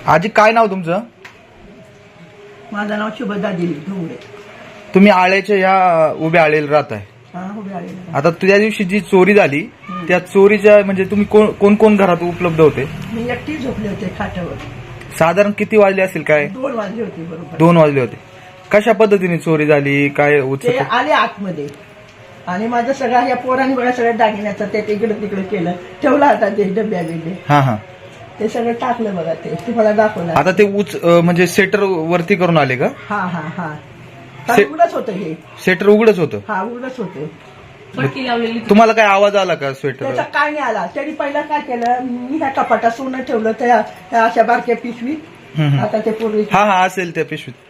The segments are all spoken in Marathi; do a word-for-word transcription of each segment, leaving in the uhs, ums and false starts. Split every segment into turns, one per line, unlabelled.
आजी काय नाव तुमचं?
माझं नाव शुभदा दिली ढोंगरे.
तुम्ही आळ्याच्या या उभ्या आळेला राहताय.
हा उभे आलेले.
आता त्या दिवशी जी चोरी झाली त्या चोरीच्या म्हणजे तुम्ही कोण कोण कोण घरात उपलब्ध होते?
मी एकटी झोपले होते खाटावर.
साधारण किती वाजले असतील? काय
दोन वाजले होते बरोबर.
दोन वाजले होते. कशा पद्धतीने चोरी झाली काय
ते
उत्सुक?
आले आतमध्ये आणि माझं सगळं या पोरांनी बघा सगळ्या दागिन्याचं ते इकडे तिकडे केलं, ठेवला होता ते डब्या बिब्या,
हा हा
ते सगळं टाकलं बघा. ते तुम्हाला दाखवलं.
आता ते उच अं, म्हणजे सेटर वरती करून आले का?
हा हा हा
से-
उघडच होतं हे.
सेटर उघडच होतं.
हा उघडच होतं.
पट्टी लावलेली.
तुम्हाला काय आवाज आला का स्वेटर?
त्याचा काय नाही आला. त्यांनी पहिला काय केलं, मी ह्या कपाटात सोनं ठेवलं त्या त्या अशा बारक्या पिशवीत. आता ते पूर्वी
हा हा असेल त्या पिशवीत.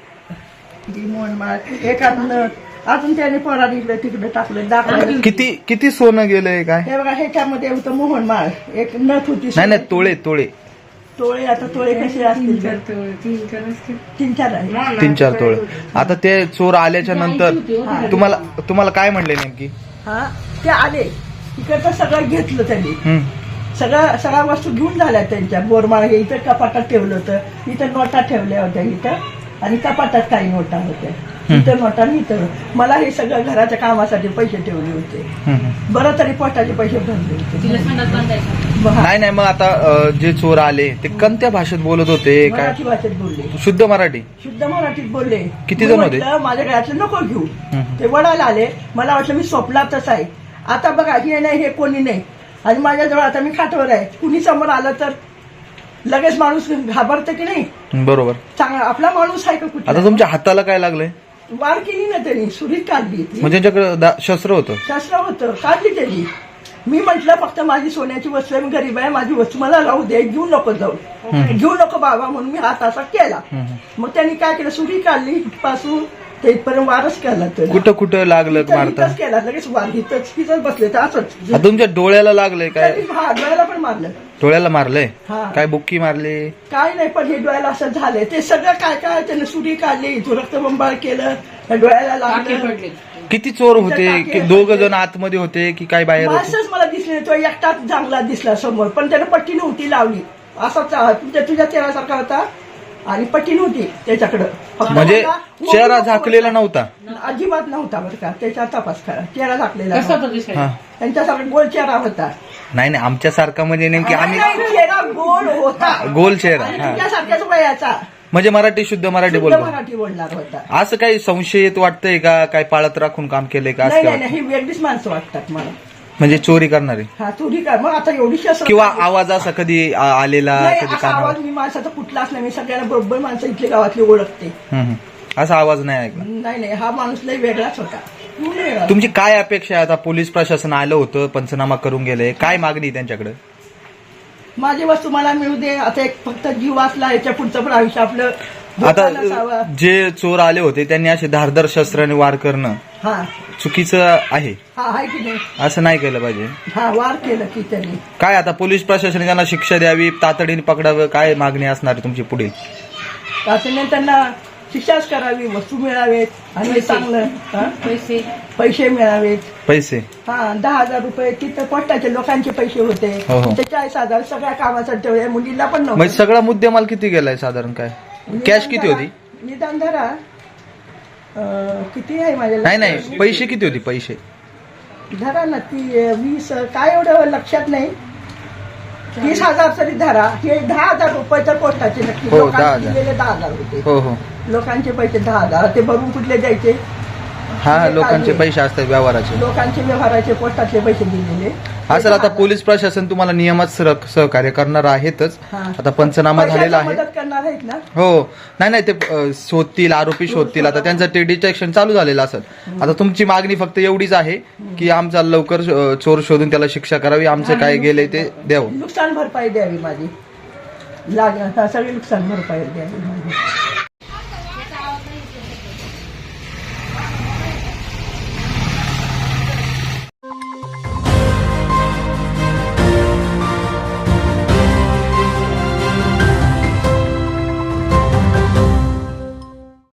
एक अजून अजून त्याने पोराने इकडे तिकडे टाकलं दाखवलं.
किती किती सोनं गेलंय काय?
हे बघा ह्याच्यामध्ये होतं मोहनमाळ, एक नथ होती.
नाही नाही तोळे तोळे
तोळे आता तोळे कसे असतील? तीन चार आहे.
तीन चार तोळे. आता ते चोर आल्याच्या नंतर तुम्हाला तुम्हाला काय म्हणले नेमकी?
हा ते आले इकडचं सगळं घेतलं त्यांनी.
हम्म.
सगळं सगळ्या वस्तू घेऊन झाल्या त्यांच्या. बोरमाळ हे इथं कपाटात ठेवलं होतं, इथं नोटा ठेवल्या होत्या इथं, आणि कपाटात काही नोटा होत्या इथं नोटा. इथं मला हे सगळं घराच्या कामासाठी पैसे ठेवले होते.
हम्म.
बरं तरी पोटाचे पैसे भरले
तिला
होते.
संडास बांधायचा.
बघा,
नाही नाही मग आता अं, जे चोर आले ते कोणत्या भाषेत बोलत होते काय?
मराठी भाषेत बोलले,
शुद्ध मराठी?
शुद्ध मराठीत बोलले.
किती
मी
जण होते?
म्हटलं, माझ्या घरातलं नको घेऊ.
हम्म.
ते वडायला आले. मला वाटलं मी स्वप्नातच आहे. आता बघा हे नाही हे कोणी नाही, आणि माझ्याजवळ आता मी खाटावर आहे. कुणी समोर आलं तर लगेच माणूस घाबरतं की नाही?
बरोबर.
चांगला आपला माणूस आहे का कुठला?
आता तुमच्या हाताला काय लागलंय?
वार केली ना त्यांनी, सुरीत काढली.
म्हणजे त्यांच्याकडे दा- शस्त्र होतं?
शस्त्र होतं, काढली त्यांनी. मी म्हटलं फक्त माझी सोन्याची वस्तू आहे, मी गरीब आहे, माझी वस्तू मला राहू दे, घेऊ नको जाऊ, घेऊ नको बाबा, म्हणून मी हात असा केला. मग त्यांनी काय केलं, सुरी काढली पासून ते इथपर्यंत वारच केला.
कुठं कुठं लागलं मारता?
इथंच केला लगेच वार. इथंच तिथंच बसले तर असंच.
आता तुमच्या डोळ्याला लागलंय काय?
हा डोळ्याला पण मारलं.
डोळ्याला मारलंय?
हा.
काय बुक्की मारली?
काय नाही, पण हे डोळ्याला असं झालंय. ते सगळं काय काय त्याने सुरी काढली, इथं रक्तबंबाळ केलं, त्या डोळ्याला
टाके
लागलं.
पडले.
किती चोर होते? दोघ जण आतमध्ये होते की काय बाहेर होते?
माणसंच मला दिसले. तो एकटाच चांगला दिसला समोर, पण त्यानं पट्टी नव्हती लावली. असाच तुझ्या तुझ्या चेहऱ्यासारखा होता आणि पट्टी नव्हती त्याच्याकडं. फक्त
म्हणजे
मला
चेहरा
उभं
झाकलेला
होता.
नव्हता?
अजिबात नव्हता बरं का. त्याच्या तपास करा, चेहरा झाकलेला
कसं
नव्हता.
होतं दिसायला?
हा.
त्यांच्यासारखा गोल चेहरा होता.
नाही नाही आमच्यासारखा म्हणजे नेमकी आम्ही
नाही, नाही, चेहरा गोल होता.
गोल चेहरा.
आणि
हा.
तुझ्यासारख्याच वयाचा.
म्हणजे मराठी शुद्ध मराठी
शुद्ध
बोलतो.
मराठी बोलणार होता.
असं काही संशय येत वाटतंय का? काय पाळत राखून काम केलंय का? असं
नाही
काय
नाही
वाटतं?
नाही, ही वेगळीच माणसं वाटतात मला.
म्हणजे चोरी करणारे
हा चोरी कर. मग आता एवढी शस्त्र
किंवा आवाज असा कधी आ- आलेला
नाही,
कधी
असा
कानावर?
आवाज मी माणसाचा कुठलाच नाही. मी सगळ्यांना बरोबर माणसं इथली गावातली ओळखते.
हम्म, हम्म. असा आवाज नाही ऐकला.
नाही नाही, हा माणूस लय वेगळाच होता. पूर्ण वेगळा.
तुमची काय अपेक्षा आहे? आता पोलीस प्रशासन आलं होतं, पंचनामा करून गेले, काय मागणी आहे त्यांच्याकडे?
माझी वस्तू मला मिळू दे. आता एक फक्त जीव असला, याच्या पुढचं पण आयुष्य आपलं
आता
धोका नसावा.
जे चोर आले होते त्यांनी असे धारदार शस्त्राने वार करणं
हा
चुकीचं आहे.
हा आहे की नाही?
असं नाही केलं पाहिजे.
हा वार केलं की त्यांनी.
काय आता पोलीस प्रशासनाने त्यांना शिक्षा द्यावी, तातडीने पकडावं, काय मागणी असणार आहे तुमची पुढे?
त्याच्याने त्यांना शिक्षाच करावी, वस्तू मिळावेत आणि चांगलं हा?
पैसे
पैसे मिळावेत.
पैसे?
हा दहा हजार रुपये तिथं पोटाचे लोकांचे पैसे होते.
हो, हो.
ते चाळीस हजार सगळ्या कामासाठी ठेवले. मुलीला पण
म्हणजे
नव्हतं.
सगळा मुद्देमाल किती गेलाय साधारण? काय कॅश किती होती?
निदान धरा अं, किती आहे माझ्या
नाही नाही पैसे किती होते? पैसे
धरा ना ती अं, वीस काय एवढं लक्षात नाही. वीस हजार तरी धरा. हे दहा हजार रुपये तर पोस्टाचे नक्की.
हो, दहा
लोकांचे
हजार.
दिलेले दहा हजार होते.
हो हो.
लोकांचे पैसे दहा हजार. ते भरून कुठले द्यायचे?
हा
ते
लोकांचे
काढले.
पैसे असतात व्यवहाराचे.
लोकांचे व्यवहाराचे पोस्टातले पैसे दिलेले.
असं आता पोलीस प्रशासन तुम्हाला नियमात सर- सहकार्य करणार आहेतच.
हा.
आता पंचनामा झालेला
पैशाची
आहे.
मदत करणार आहेत ना?
हो. नाही नाही ते अ, शोधतील, आरोपी शोधतील. आता त्यांचं ते डिटेक्शन चालू झालेलं असेल. आता तुमची मागणी फक्त एवढीच आहे की आमचा लवकर अ, चोर शोधून त्याला शिक्षा करावी, आमचं काय गेलंय ते द्यावं.
नुकसान भरपाई द्यावी माझी. लाग सगळी नुकसान भरपाई द्यावी माझी.